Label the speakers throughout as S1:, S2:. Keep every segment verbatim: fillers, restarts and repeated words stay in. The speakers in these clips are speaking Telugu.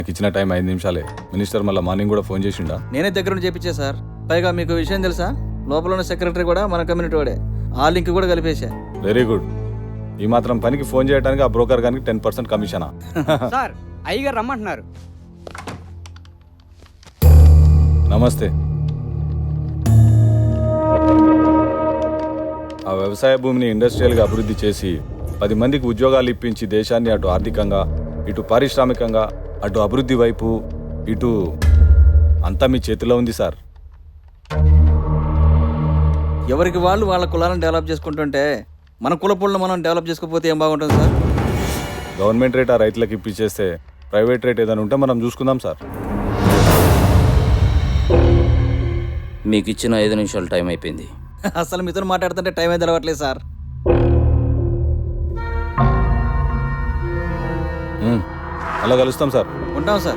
S1: ఇచ్చిన టైం ఐదు నిమిషాలే. మినిస్టర్ మళ్ళీ మార్నింగ్ కూడా ఫోన్ చేసిండా?
S2: నేనే దగ్గర నుండి చేపించా సార్. పైగా మీకు విషయం తెలుసా, లోపల ఉన్న సెక్రటరీ కూడా మన కమ్యూనిటీ వాడే. ఆ లింక్ కూడా కలిపేశా.
S1: Very good. ఈ మాత్రం పనికి ఫోన్ చేయడానికి ఆ బ్రోకర్ గానికి టెన్ పర్సెంట్ కమిషనా?
S3: సార్ అయ్యగారు రమ్మంటున్నారు.
S1: నమస్తే. ఆ వ్యవసాయ భూమిని ఇండస్ట్రియల్గా అభివృద్ధి చేసి పది మందికి ఉద్యోగాలు ఇప్పించి దేశాన్ని అటు ఆర్థికంగా ఇటు పారిశ్రామికంగా అటు అభివృద్ధి వైపు ఇటు అంతా మీ చేతిలో ఉంది సార్.
S2: ఎవరికి వాళ్ళు వాళ్ళ కులాలను డెవలప్ చేసుకుంటుంటే మన కుల పుళ్ళను మనం డెవలప్ చేసుకోకపోతే ఏం బాగుంటుంది సార్?
S1: గవర్నమెంట్ రేట్ ఆ రైతులకు ఇప్పించేస్తే ప్రైవేట్ రేట్ ఏదైనా ఉంటే మనం చూసుకుందాం సార్.
S4: మీకు ఇచ్చిన ఐదు నిమిషాలు టైం అయిపోయింది.
S2: అసలు మీతో మాట్లాడుతుంటే టైం అయితే తెలవట్లేదు సార్.
S1: మ్మ్. అలా కలుస్తాం సార్.
S2: ఉంటాం సార్.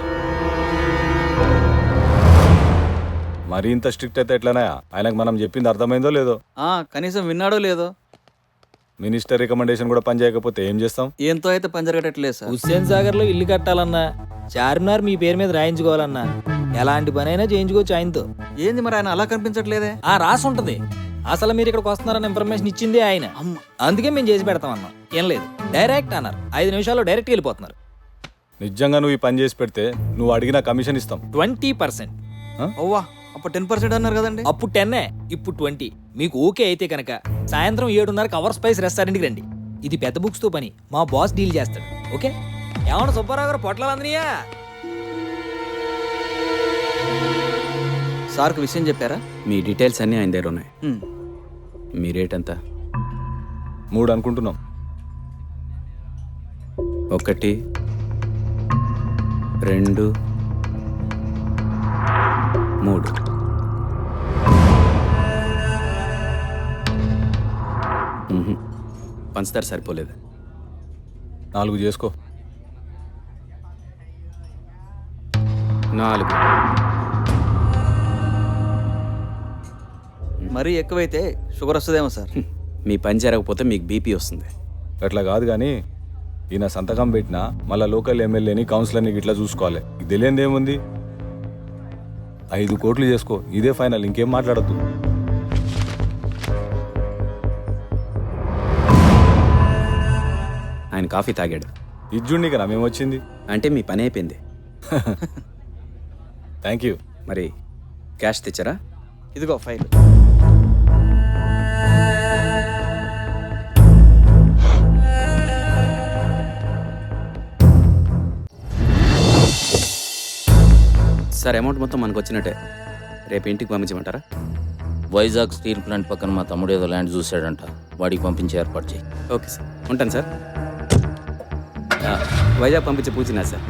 S1: మరీ ఇంత స్ట్రిక్ట్ అయితే ఎట్లనా? ఆయనకు మనం చెప్పింది అర్థమైందో లేదో?
S2: ఆ కనీసం విన్నాడో లేదో?
S1: మినిస్టర్ రికమెండేషన్ కూడా పని చేయకపోతే ఏం చేస్తాం?
S2: ఏంతో అయితే పని జరగట్లేదు సార్.
S5: హుస్సేన్ సాగర్ లో ఇల్లు కట్టాలన్నా, చార్మినార్ మీ పేరు మీద రాయించుకోవాలన్నా ఎలాంటి పనైనా చేయించుకోవచ్చు ఆయనతో.
S2: ఏంది మరి ఆయన అలా కనిపించట్లేదే?
S5: ఆ రాసి ఉంటది. అసలు మీరు ఇక్కడికి వస్తున్నారన్న ఇన్ఫర్మేషన్ ఇచ్చిందే ఆయన. అందుకే మేము చేసి పెడతాం అన్నాం. ఏం లేదు, డైరెక్ట్ అన్నారు. ఐదు నిమిషాల్లో డైరెక్ట్ వెళ్ళిపోతున్నారు.
S1: నిజంగా నువ్వు ఈ పని చేసి పెడితే నువ్వు అడిగిన కమిషన్ ఇస్తాం.
S5: Twenty percent.
S2: అవ్వా, అప్పుడు టెన్ పర్సెంట్ అన్నారు కదండి.
S5: అప్పుడు టెన్నే, ఇప్పుడు ట్వంటీ. మీకు ఓకే అయితే కనుక సాయంత్రం ఏడున్నరకు అవర్ స్పైస్ రెస్టారెంట్కి రండి. ఇది పెద్ద బుక్స్ తో పని, మా బాస్ డీల్ చేస్తాడు. ఓకే? ఏమన్నా సుబ్బారావు గారు పొట్లాలు అందనియా?
S2: సార్కి విషయం చెప్పారా?
S6: మీ డీటెయిల్స్ అన్నీ ఆయన దగ్గర ఉన్నాయి.
S2: హ్మ్.
S6: మీ రేట్ ఎంత?
S1: మూడు అనుకుంటున్నాం.
S6: ఒకటి, రెండు, మూడు. మ్మ్హ. పంచదార సరిపోలేదు.
S1: నాలుగు చేసుకో.
S6: నాలుగు.
S2: మరీ ఎక్కువైతే షుగర్ వస్తుందేమో సార్.
S6: మీ పని జరగకపోతే మీకు బీపీ వస్తుంది.
S1: అట్లా కాదు కానీ ఈయన సంతకం పెట్టినా మళ్ళీ లోకల్ ఎమ్మెల్యేని కౌన్సిలర్ని ఇట్లా చూసుకోవాలి. ఇది తెలియంది ఏముంది? ఐదు కోట్లు చేసుకో, ఇదే ఫైనల్, ఇంకేం మాట్లాడద్దు.
S6: ఆయన కాఫీ తాగాడు.
S1: ఇజ్జుండి కదా మేమొచ్చింది.
S6: అంటే మీ పని అయిపోయింది.
S1: Thank you.
S6: మరి క్యాష్ తెచ్చారా?
S2: ఇదిగో ఫైల్.
S6: సార్, అమౌంట్ మొత్తం మనకు వచ్చినట్టే. రేపు ఇంటికి పంపించమంటారా?
S4: వైజాగ్ స్టీల్ ప్లాంట్ పక్కన మా తమ్ముడు ఏదో ల్యాండ్ చూశాడంట, వాడికి పంపించే ఏర్పాటు చేయి.
S6: ఓకే సార్, ఉంటాను సార్. ఆ, వైజాగ్ పంపించే పూచినా సార్.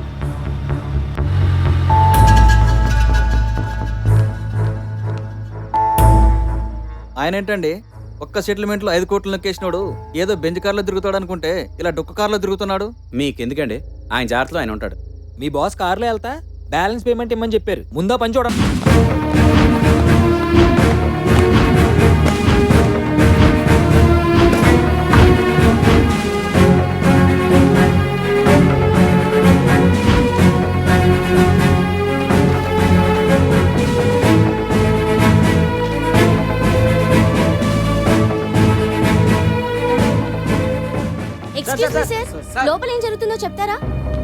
S2: ఆయన ఏంటండి ఒక్క సెటిల్మెంట్లో ఐదు కోట్లు నొక్కేసినోడు ఏదో బెంజ్ కార్లో తిరుగుతాడు అనుకుంటే ఇలా డొక్క కార్లో తిరుగుతున్నాడు.
S6: మీకెందుకండి? ఆయన జాగ్రత్తలో ఆయన ఉంటాడు.
S5: మీ బాస్ కార్లో వెళ్తా బ్యాలెన్స్ పేమెంట్ ఇమ్మని చెప్పారు. ముందా పని చూడండి.
S7: ఎక్స్క్యూజ్ మీ సార్, లోపల ఏం జరుగుతుందో చెప్తారా?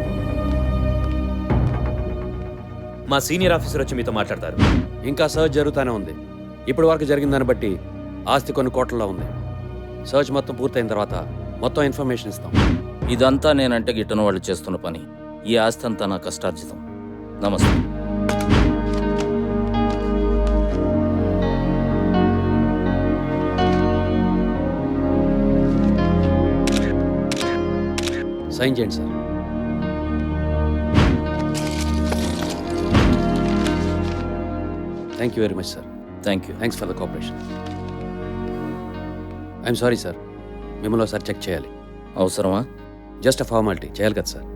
S8: మా సీనియర్ ఆఫీసర్ వచ్చి మీతో మాట్లాడతారు. ఇంకా సర్చ్ జరుగుతూనే ఉంది. ఇప్పటి వరకు జరిగిన దాన్ని బట్టి ఆస్తి కొన్ని కోట్లలో ఉంది. సర్చ్ మొత్తం పూర్తయిన తర్వాత మొత్తం ఇన్ఫర్మేషన్ ఇస్తాం.
S4: ఇదంతా నేనంటే గిట్టన వాళ్ళు చేస్తున్న పని. ఈ ఆస్తి అంతా నా కష్టార్జితం. నమస్తే.
S8: సైన్ చేయండి sir. Thank you very much sir.
S4: Thank you.
S8: Thanks for the cooperation. I'm sorry sir, మిమ్మల్ని ఒకసారి చెక్ చేయాలి.
S4: అవసరమా?
S8: Just a formality. చేయాలి కదా సార్?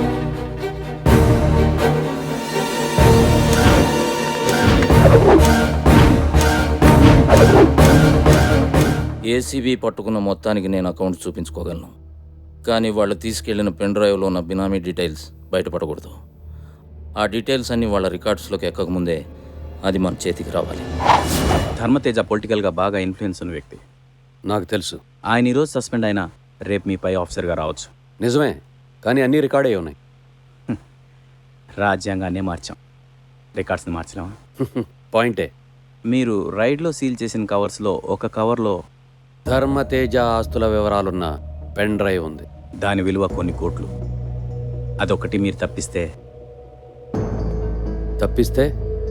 S7: Thank you.
S4: ఏసీబీ పట్టుకున్న మొత్తానికి నేను అకౌంట్ చూపించుకోగలను, కానీ వాళ్ళు తీసుకెళ్లిన పెన్ డ్రైవ్లో ఉన్న బినామీ డీటెయిల్స్ బయటపడకూడదు. ఆ డీటెయిల్స్ అన్నీ వాళ్ళ రికార్డ్స్లోకి ఎక్కకముందే అది మన చేతికి రావాలి.
S6: ధర్మతేజ పొలిటికల్గా బాగా ఇన్ఫ్లుయెన్స్ ఉన్న వ్యక్తి.
S8: నాకు తెలుసు.
S6: ఆయన ఈరోజు సస్పెండ్ అయినా రేపు మీ పై ఆఫీసర్గా రావచ్చు.
S8: నిజమే, కానీ అన్నీ రికార్డ్ అయి ఉన్నాయి.
S6: రాజ్యాంగాన్నే మార్చాం, రికార్డ్స్ని మార్చలేమా?
S8: పాయింటే.
S6: మీరు రైడ్లో సీల్ చేసిన కవర్స్లో ఒక కవర్లో
S8: ధర్మతేజ ఆస్తుల వివరాలున్న పెన్ డ్రైవ్ ఉంది.
S6: దాని విలువ కొన్ని కోట్లు. అదొకటి మీరు తప్పిస్తే
S8: తప్పిస్తే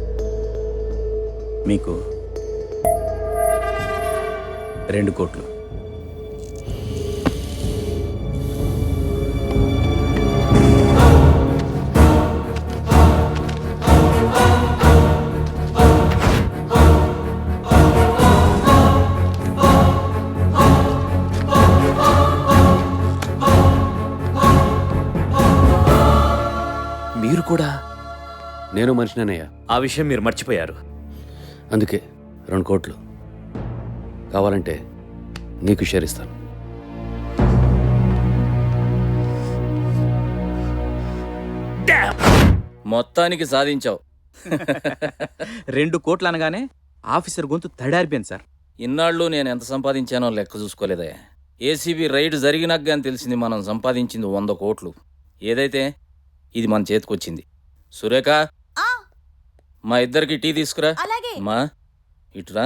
S6: మీకు రెండు కోట్లు.
S5: మీరు కూడా
S8: నేను మనిషినేనయ్యా.
S5: ఆ విషయం మీరు మర్చిపోయారు.
S8: అందుకే రెండు కోట్లు కావాలంటే నీకు షేర్ ఇస్తాను.
S4: మొత్తానికి సాధించావు.
S6: రెండు కోట్లు అనగానే ఆఫీసర్ గొంతు తడారిపోయింది సార్.
S4: ఇన్నాళ్ళు నేను ఎంత సంపాదించానో లెక్క చూసుకోలేదే. ఏసీబీ రైడ్ జరిగినాక అని తెలిసింది మనం సంపాదించింది వంద కోట్లు. ఏదైతే ఇది మన చేతికొచ్చింది. సురేఖ, మా ఇద్దరికి టీ తీసుకురా.
S7: అలాగే.
S4: మా ఇటురా.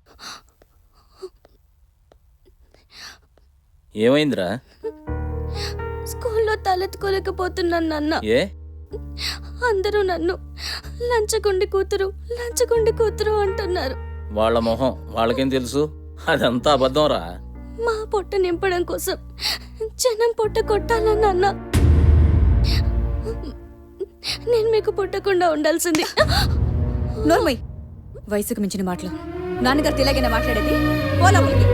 S4: ఏమైందిరా?
S7: స్కూల్లో తలెత్తుకోలేకపోతున్నాను నాన్న.
S4: ఏ
S7: అందరూ నన్ను లంచగొండి కూతురు లంచగొండి కూతురు అంటున్నారు.
S4: వాళ్ళ మొహం వాళ్ళకేం తెలుసు? అదంతా అబద్ధం రా.
S7: మా పొట్ట నింపడం కోసం జనం పొట్ట కొట్టాలా నాన్న? నేను మీకు పుట్టకుండా ఉండాల్సింది.
S9: నోర్మయ్, వయసుకు మించిన మాటలు. నాన్నగారు ఇలాగైనా మాట్లాడేది? పోలాములకి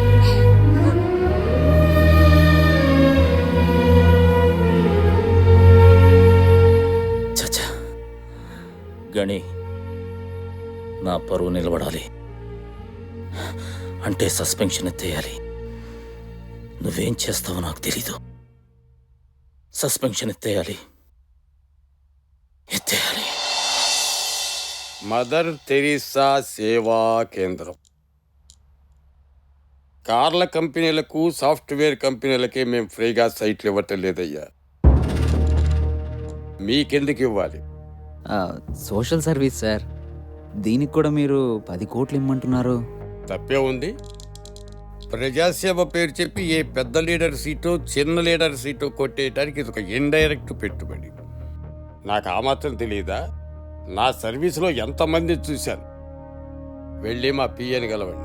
S4: చచ్చా, గణి, నా పరువు నిలబడాలి అంటే సస్పెన్షన్ ఎత్తేయాలి. నువ్వేం చేస్తావో నాకు తెలీదు. సస్పెన్షన్ ఎత్తేయాలి, ఎత్తేయాలి.
S10: మదర్ తెరీసా సేవా కేంద్రం. కార్ల కంపెనీలకు సాఫ్ట్వేర్ కంపెనీలకే మేము ఫ్రీగా సైట్లు ఇవ్వటం లేదయ్యా. మీకెందుకు ఇవ్వాలి?
S2: Social service sir. దీనికి కూడా మీరు పది కోట్లు ఇమ్మంటున్నారు.
S10: తప్పే ఉంది. ప్రజాసేవ పేరు చెప్పి ఏ పెద్ద లీడర్ సీటో చిన్న లీడర్ సీటో కొట్టేయడానికి ఇది ఒక ఇండైరెక్ట్ పెట్టుబడి. నాకు ఆ మాత్రం తెలియదా? నా సర్వీసులో ఎంతమంది చూశాను. వెళ్ళి మా పిఎని గలవండి.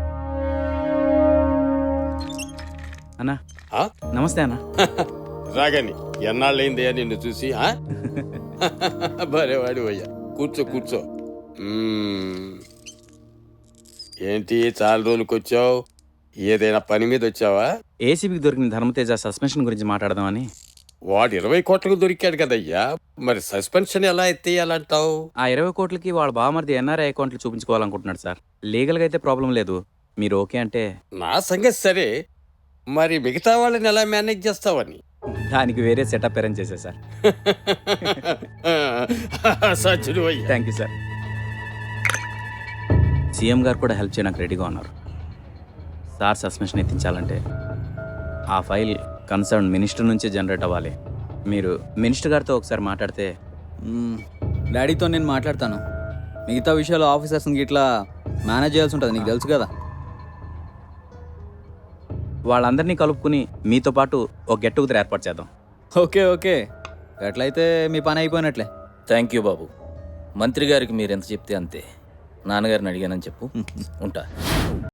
S6: అన్నా
S10: ఆ?
S6: నమస్తే అన్న.
S10: రాగని ఎన్నాళ్ళైందయ్యా నిన్ను చూసి. భలే వాడి అయ్యా. కూర్చో కూర్చో. మ్మ్. ఏంటి చాలా రోజులకు వచ్చావు? ఏదైనా పని మీద వచ్చావా?
S6: ఏసీబీకి దొరికిన ధర్మతేజ సస్పెన్షన్ గురించి మాట్లాడదామని.
S10: వాడు ఇరవై కోట్లకు దొరికాడు కదయ్యా, మరి సస్పెన్షన్ ఎలా ఎత్తేయాలంటావు?
S6: ఆ ఇరవై కోట్లకి వాళ్ళ బావమరిది ఎన్ఆర్ఐ అకౌంట్లు చూపించుకోవాలనుకుంటున్నాడు సార్. లీగల్గా అయితే ప్రాబ్లం లేదు, మీరు ఓకే అంటే.
S10: నా సంగతి సరే, మరి మిగతా వాళ్ళని ఎలా మేనేజ్ చేస్తావని.
S6: దానికి వేరే సెటప్ అరేంజ్ చేశా సార్.
S10: సచ్చుడు అయ్యా.
S6: Thank you sir. సీఎం గారు కూడా హెల్ప్ చేయడానికి రెడీగా ఉన్నారు. సార్ సస్పెన్షన్ ఎత్తించాలంటే ఆ ఫైల్ కన్సర్న్ మినిస్టర్ నుంచే జనరేట్ అవ్వాలి. మీరు మినిస్టర్ గారితో ఒకసారి మాట్లాడితే.
S2: మ్మ్. డాడీతో నేను మాట్లాడతాను. మిగతా విషయాలు ఆఫీసర్స్ని ఇట్లా మేనేజ్ చేయాల్సి ఉంటుంది, నీకు తెలుసు కదా.
S6: వాళ్ళందరినీ కలుపుకుని మీతో పాటు ఒక గెట్ టుగెదర్ ఏర్పాటు చేద్దాం.
S2: ఓకే ఓకే, ఎట్లయితే మీ పని అయిపోయినట్లే.
S4: థ్యాంక్ యూ బాబు. మంత్రి గారికి మీరు ఎంత చెప్తే అంతే. నాన్నగారిని అడిగానని చెప్పు. ఉంటా.